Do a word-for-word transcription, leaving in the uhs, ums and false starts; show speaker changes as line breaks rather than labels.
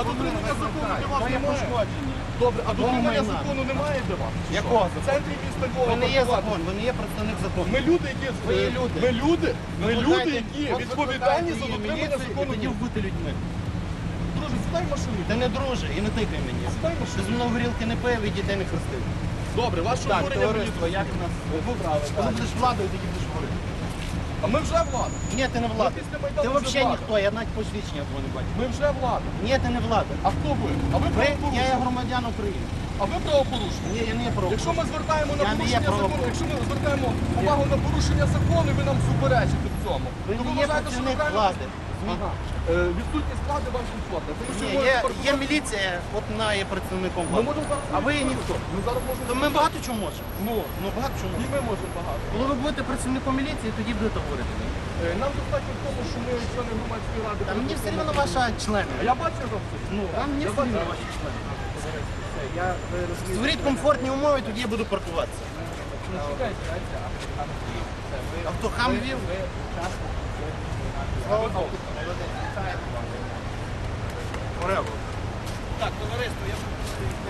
дотримання закону для вас немає? Добре, а дотримання закону немає для вас?
Якого
В центрі міста Львова.
Ви не є
паркуватися?
закон, ви не є представник закону.
Ми люди, які...
Ви є люди.
Ми люди, ми люди,
Викликайте-
які
от
відповідальні за
викликайте
дотримання
міліцію,
закону.
і тоді бути людьми.
Друже, сідай в машину.
Ти не друже і не тикай мені.
Сідай в
Ти
машину.
зі мною горілки не пив і дітей не хрестив.
Добре, ваше
Так,
обурення мені
товариство, як у нас вибрали? Коли будеш владою, тоді будеш говорити.
А ми вже влада.
Ні, ти не влада.
Ми після Майдану
Ти
вже
взагалі
влада.
ніхто, я навіть посвідчення твого не бачу.
Ми вже влада.
Ні, ти не влада.
А хто ви? А ви
Ви, я є
правопорушник.
громадян України.
А ви правопорушник.
Ні, я не є про.
Якщо ми звертаємо на
Я не є
порушення закону,
правопорушник.
якщо ми звертаємо увагу на порушення закону, і ви нам суперечите в цьому.
Ви
то
не є
вважаєте, що ви
працівник
правильно-
влади.
Ага. Е, Відсутність влади вам комфортна. Тому що
Ні,
ви
є,
можете
є міліція, от вона є представником
Ми
влади.
можемо зараз...
А ви
ніхто.
ніхто.
Ми зараз можемо...
То ми багато чого можемо.
Ну,
Ну багато чого
і
можемо.
ми можемо багато.
Коли ви будете працівником міліції, тоді будете говорити.
Е, Нам достатньо в тому, що ми члени громадської ради.
Та мені все рівно ваша члени.
А я бачив вам це.
Ну, вам мені
Я
все рівно
бачу.
ваші члени.
Я ви розумієте.
Створіть комфортні умови, тоді я буду паркуватися.
Ну, чекайте, дайте, а а Львів, це ви
А хто хам вів?
ви учасник
Слава Богу. Так, товариство, я